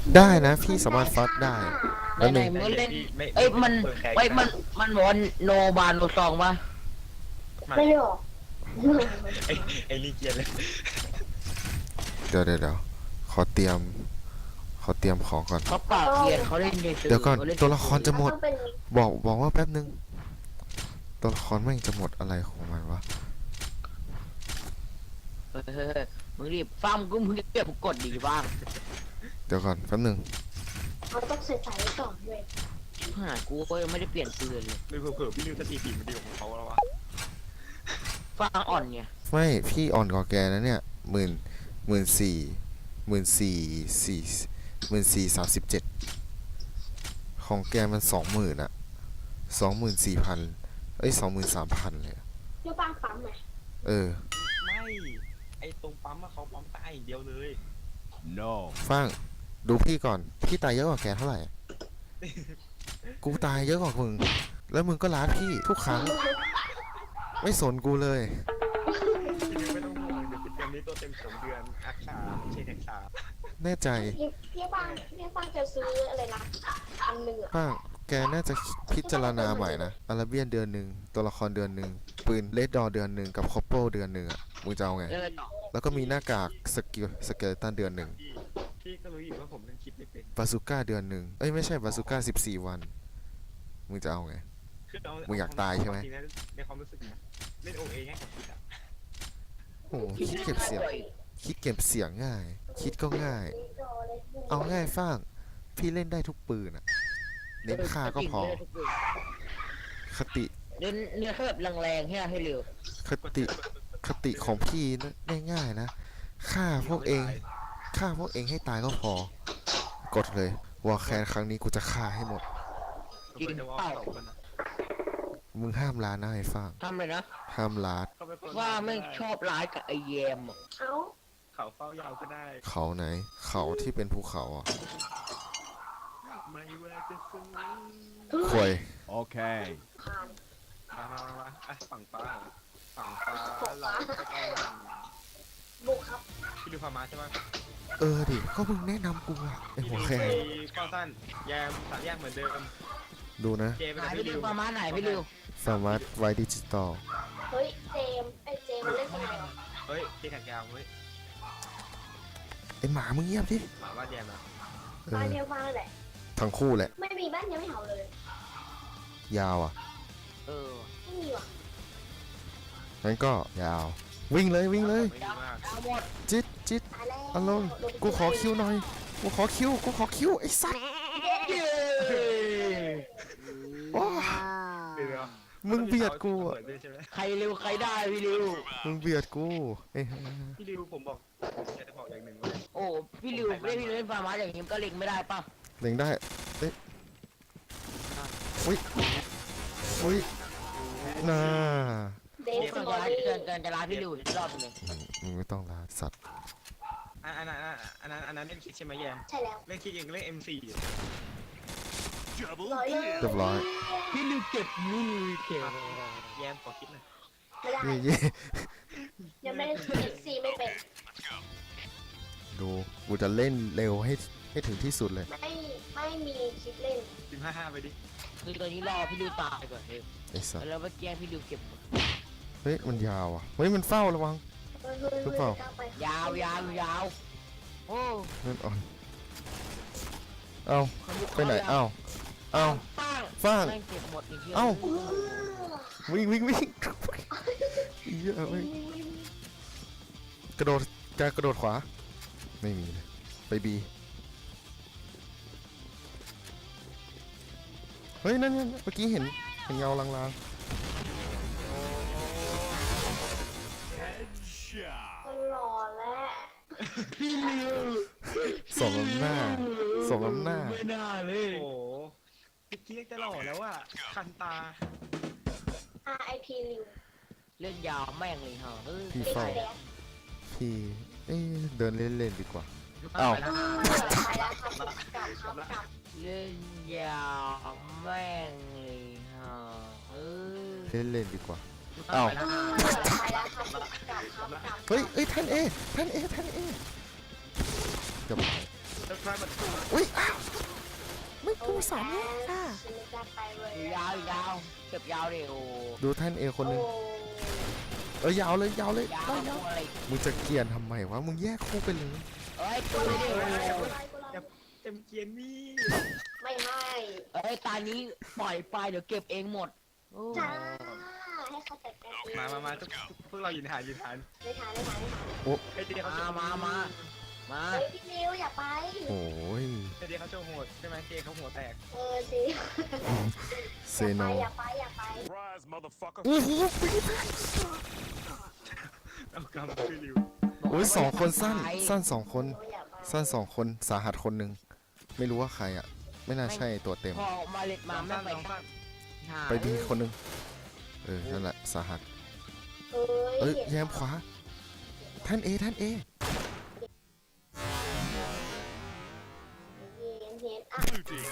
ได้นะพี่สามารถฟัดได้แล้วหไหนนึ่งๆมึงเล่นไม่เอ้ยมันเปิดแขกเอ้ยมันบอกว่าโนบานโนซองปะไม่ได้หรอกไอ้นี่เกลียดเลยเดี๋ยวขอเตรียมของก่อนเขาปากเกลียนเขาเล่นเฉยๆเดี๋ยวก่อนขาล่ตัวละครจะหมดต้องเป็นบอกว่าแป๊บนึงตัวละครแม่งจะหมดอะไรของมันวะเออมึงรีบฟังกูมึงเก็บกดดีบ้างเดี๋ยวก่อนแป๊บนึงเราต้องใส่ไว้ก่อนด้วยหากูก็ยังไม่ได้เปลี่ยนปืนเลยไม่เผื่อพี่นิวสติปีมันดีกว่าของเขาแล้ววะฟังอ่อนไงไม่พี่อ่อนกว่าแกนะเนี่ย14,000 ของแกมัน20,000อะ24,000 เอ้ย23,000เลยอะเรื่องบ้างปั๊มไหมเออไม่ไอ้ตรงปั๊มอะเขาปั๊มใต้อย่างเดียวเลย No. ฟังดูพี่ก่อนพี่ตายเยอะกว่าแกเท่าไหร่อะกูตายเยอะกว่ามึงแล้วมึงก็ล้าพี่ทุกครั้งไม่สนกูเลยพี่นิวไม่ต้องห่วงเดี๋ยวเกมนี้ตัวเต็ม2 เดือนอักษาเชนแท็กษาแน่ใจพี่บ้างจะซื้ออะไรนะ1,000อะป้างแกน่าจะพิจารณาใหม่นะอาราเบียนเดือนหนึ่งตัวละครเดือนหนึ่งปืนเลดดอเดือนหนึ่งกับคอปเปิลเดือนหนึ่งอ่ะมึงจะเอาไงเล่นต่อแล้วก็มีหน้ากากสเกลตันเดือนหนึ่งพี่ก็รู้อยู่ว่าผมเล่นคลิปไม่เป็นบาซูก้าเดือนหนึ่งเอ้ยไม่ใช่บาซูก้า14 วันมึงจะเอาไงคือเมึงอยากตายใช่ไหมจริงๆนะในความรู้สึกนะเล่นโอเอง่ายกว่าคิดอะโอ้โหคิดเก็บเสียงง่าย คิดก็ง่าย เอาง่ายฟ้างพี่เล่นได้ทุกปืนอ่ะเน้นฆ่าก็พอคติเล่นเนื้อแค่แบบแรงๆให้เร็วคติของพี่นะง่ายๆนะฆ่าพวกเองให้ตายก็พอ กดเลยวอลแคนครั้งนี้กูจะฆ่าให้หมดจริงจะว่าเปล่าเขาคนอะมึงห้ามลานะไอ้ฟางทำเลยนะห้ามลาดเขาเป็นคนว่าไม่ชอบร้ายกับไอแยมอะเอ้าเขาเฝ้ายาวก็ได้เขาไหน เขาที่เป็นภูเขาอ่ะไม่ว่าจะสูงควย Okay. ผ่านมาอ่ะฝั่งฟ้าเราใกล้บุกครับๆพี่ดูพามาใช่ไหมเออดิก็มึงแนะนำกูอ่ะไอ้หัวแคนก้อนสั้นแยม3 แยกเหมือนเดิมดูนะเจไปไหนกับพี่พี่ริดิววประมาณไหนพี่ริวสามารถไว้ดิจิตอลเฮ้ยเจมมันเล่นยังไงวะเฮ้ยเจแขกยาวเฮ้ยไอ้หมามึงเงียบดิหมาว่าแยมนะเอบ้านอเดียวบ้านแหละทั้งคู่แหละไม่มีบ้านยังไม่เห่าเลยยาวอ่ะเออไม่มีว่ะงั้นก็ยาว วิ่งเลยไม่ดีมากเอาหมดจิตตายแล้วอารมณ์กูขอคิวหน่อยกูขอคิวไอ้สัสเย้โอ้เดี๋ยวมึงเบียดกูอ่ะเปิดด้วยใช่ไหมใครเร็วใครได้พี่ริวมึงเบียดกูเอ้ยพี่ดิวผมบอกอยากจะบอกอย่างหนึ่งว่าโอ้พี่ริวเล่นพี่ริวเล่นฟาร์มาอย่างนี้ก็เล็งไม่ได้ป่ะเล็งได้เอ้ยอุ้ยอุ้ยน่าเดฟเกิสนตอจะรี่จะลาพี่ริวอีกรอบหนึงมึงไม่ต้องลาสัตว์อันนั้นเล่นคิดใช่ไหมแยมใช่แล้วเล่นคิดยังเล่น M4 อยู่ร้อยเลยเรียบร้อยพี่ริวเก็บมือเก็บแยมขอคิดหน่อยไม่ได้เย่ยังไม่ได้เอ็กซีไม่เป็นดูกูจะเล่นเร็วให้ถึงที่สุดเลยไม่มีคลิปเล่น 15 ไปดิคือตอนนี้รอพี่ริวตายก่อนเฮ้ยไอ้สัตว์แล้วไปแกล้งพี่ริวเก็บหมดเฮ้ยมันยาวอ่ะเฮ้ยมันเฝ้าระวังเฮ้ยหรือเปล่าก้วไปยาวยาวโอ้เล่นอ่อนเอาไปไหนเอ้าเอ้าป้างฟางแม่งเก็บหมดอีกเยอะเอ้าอื้อวิ่งเยอะเว้ยกระโดดกระโดดขวาไม่มีเลยไปบีเฮ้ยนั่นเมื่อกี้เห็นเงาลาง Headshot. ตลอดแล้วพี่ริวๆสมน้ำหน้าไม่น่าเลยโอ้โหพี่กี้จะหล่อแล้วอ่ะคันตา RIP ริวเล่นยาวแม่งเลยฮะเออพี่เด็กเฝ้าแดงพี่เดินเล่นดีกว่าเอาเอ้าไปแล้วครับกลับครับกลับเล่นยาวแม่งเลยฮะเออเล่นดีกว่า เอ้าไปแล้วครับกลับครับกลับเฮ้ยท่านเอเกือบไปจะคลายมันอุ้ยอ้าวไม่กูสามแยกค่ะฉันไม่กล้าไปเลยยาวยาวเก็บยาวดิโอ้ดูแท่นเอคนหนึงโอ้ยาวเลยยาวเลยยาวได้แล้วอะไรมึงจะเกลียนทำไมวะมึงแยกคู่ไปเลยเอ้ยตัวนี้ดิโอ้เต็มเกียร์นี่ไม่เอ้ยตานี้ปล่อยไปเดี๋ยวเก็บเองหมดโอ้จ้าให้เขาจัดการเองมาพวกเรายืนฐานไม่ทานไอ้เดียเขามาเฮ้ยพี่นิวอย่าไปโอ้ยไอ้เดียเขาโชว์โหดใช่ไหมเจเขาหัวแตกสิเซโนอย่าไป Surprise, motherfucker. โอ้โหปี๊ดเอากำคือริวโอ้ย2 คนสั้น2 คนอย่าไปสั้น2 คนสาหัสคนหนึ่งไม่รู้ว่าใครอ่ะ ไม่น่าใช่ตัวเต็มพอมาเล็ดมาไม่ไปสั้นหาไปบีคนหนึ่งนั่นแหละสาหัสเอ้เอ้ยแยมขวาแท่นเอแท่นเอเห็นอ่ะ Blue team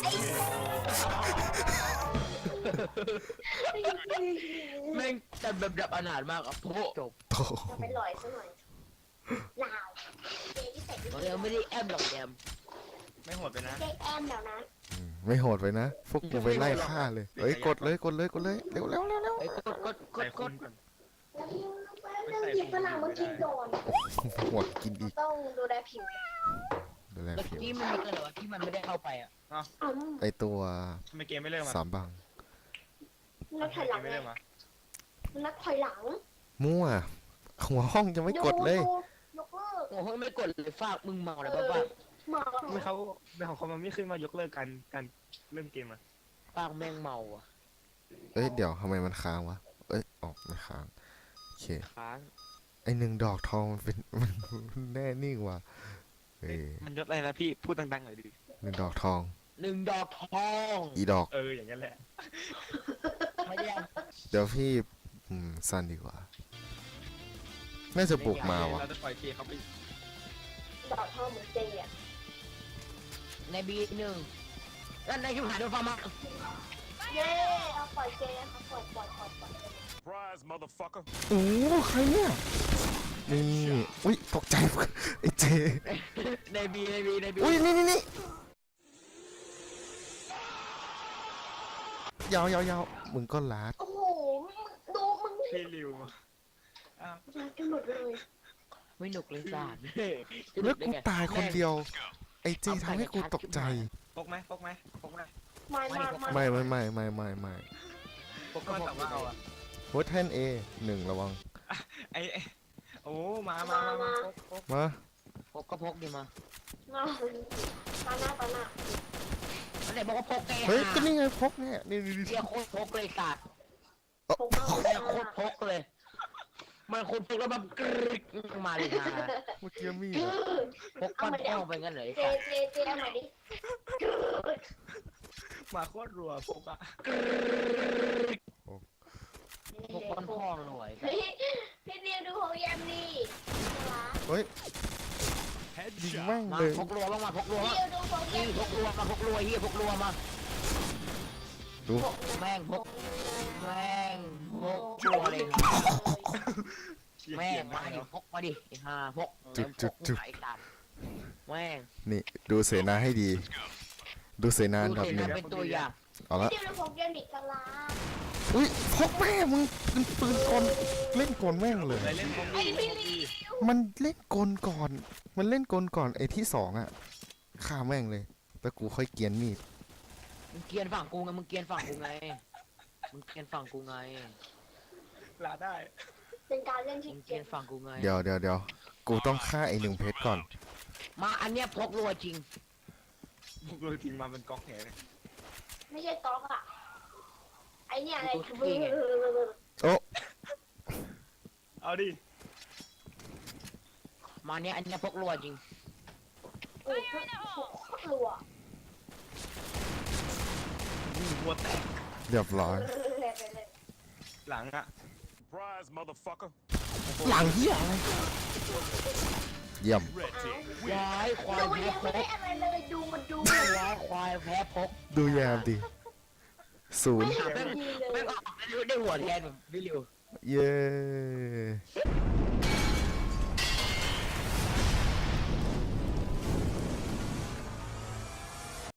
win. แม่งแต่แบบอนาถมากอ่ะโพจบโตจะไปลอยซะหน่อยลาวเจ๊ที่ใส่เรายังไม่ได้แอมหรอกแดมไม่โหดไปนะเจ๊แอมแล้วนะไม่โหดไปนะ พวกกูไปไล่ฆ่าเลยเอ้ยกดเลยเร็วเร็วไอ้ยกดใส่คุณก่อนหยิบฝรั่งมากินก่อนหัวกินอีกต้องดูแลผิวดูแลแล้วผิวที่มันมีกันเหรอวะที่มันไม่ได้เข้าไปอ่ะไอตัวทำไมเกมไม่เริ่มอ่ะ 3 บังนักถอยหลังไม่ไงเริ่มอ่ะนักถอยหลังมั่วหัวห้องจะไม่กดเลยยกเลิกโอ้โหไม่กดเลยฝากมึงเมาอะไรบ้าหมาไม่เขาไม่ของเขามันไม่ขึ้นมายกเลิกการเริ่มเกมอ่ะฝากแม่งเมาอ่ะเอ้ยเดี๋ยวทำไมมันค้างวะเอ้ยออกไม่ค้างโอเคค้างไอ1 ดอกทองมันเป็นมันแน่นิ่งว่ะเอ้ยมันยศอะไรนะพี่พูดดังๆหน่อยดิ 1 ดอกทอง 1 ดอกทองอีดอกอย่างนั้นแหละไม่ได้เดี๋ยวพี่สั้นดีกว่า น่าจะบุกมาว่ะเราจะปล่อยเจเขาไปดอกทองเหมือนเจ๊อะในบี1แล้วในชิบหายโดนฟ้ามาเย้เอาปล่อยเจ๊เขาปล่อย Surprise, motherfucker. โอ้ใครเนี่ยนี่อุ้ยตกใจไอเจในบีอุ้ยนี่ยาวมึงก็ลาดโอ้โหดูมึงพี่ริวอ้าวมากันหมดเลยไม่หนุกเลยจ้าแล้วกูตายคนเดียว ไอเจทำให้กูตกใจพกไหมมาไม่พกก็ถามว่าเอาอ่ะโฮแทนเอ1ระวังไอ้โอ้มาพกมาพกก็พกดีมามาตาหน้าอันไหนบอกว่าพกไงเฮ้ยก็นี่ไงพกเนี่ยนี่เรียกโคตรพกเลยสัตว์ผมมาเรียกโคตรพกเลย มันโคตรพกแล้วแบบกรึ๊กมาเลยนะเมื่อกี้มีดอะพกปั้นป้องไปงั้นเลยเจ๊เอาใหม่ดิมาโคตรรัวพกอ่ะพกปั้นป้องหน่อยเฮ้ยพี่นิวดูของแยมนี่เฮ้ยยิง Headshot. แม่งมาเลยพกรัวบ้างมาพกรัวพี่มานิวดูของแยนี่มพกรัวมาพกรัวเฮียพกรัวมาดูแม่งพกรัวเลยแม่งมาดิพกมาดิไอ้ห่าพกไอ้สัตว์แม่งนี่ดูเสนาให้ดี ดูเสนาอันดับดู 1 เป็นตัวอย่างเอาละพี่นิวดูของแยมอีกกะลาอุ้ยพกแม่มึงเป็นปืนกลเล่นกลแม่งเลยอะไรเล่นพกไอ้ดีพี่นิวมันเล่นกลก่อน มันเล่นกลก่อนไอ้ที่2อ่ะฆ่าแม่งเลยแล้วกูค่อยเกรียนมีดมึงเกียนฝั่งกูไงมึงเกียนฝั่งกูไงมึงเกียนฝั่งกูไงลาได้เป็นการเล่นที่มึงเก่เกียงนฝั่งกูไงเดี๋ยวกูต้องฆ่าไอ้1 เพชรก่อนมาอันเนี้ยพกรัวจริงพกเลยทิ้งมาเป็นก๊อกแหนไม่ใช่ต๊อกอะไอเนี่ยอะไรโอ้เอาดิมาเนี้ยอันเนี้ยพกรัวจริงโอ้โหกลัวหัวแตกเรียบร้อยหลังอ่ะ Surprise, motherfucker. หลังเหี้ยอะไรเยี่ยม Red team ย้า win. ยควายดูแพ้ยังพไม่กได้อะไรเลยดูมันดูย้ายควายแพ้พกดูแยมดิ0 ไม่ทำดีเลไม่ยออกไม่รู้ได้หัวแทนแบบวิลิวเย้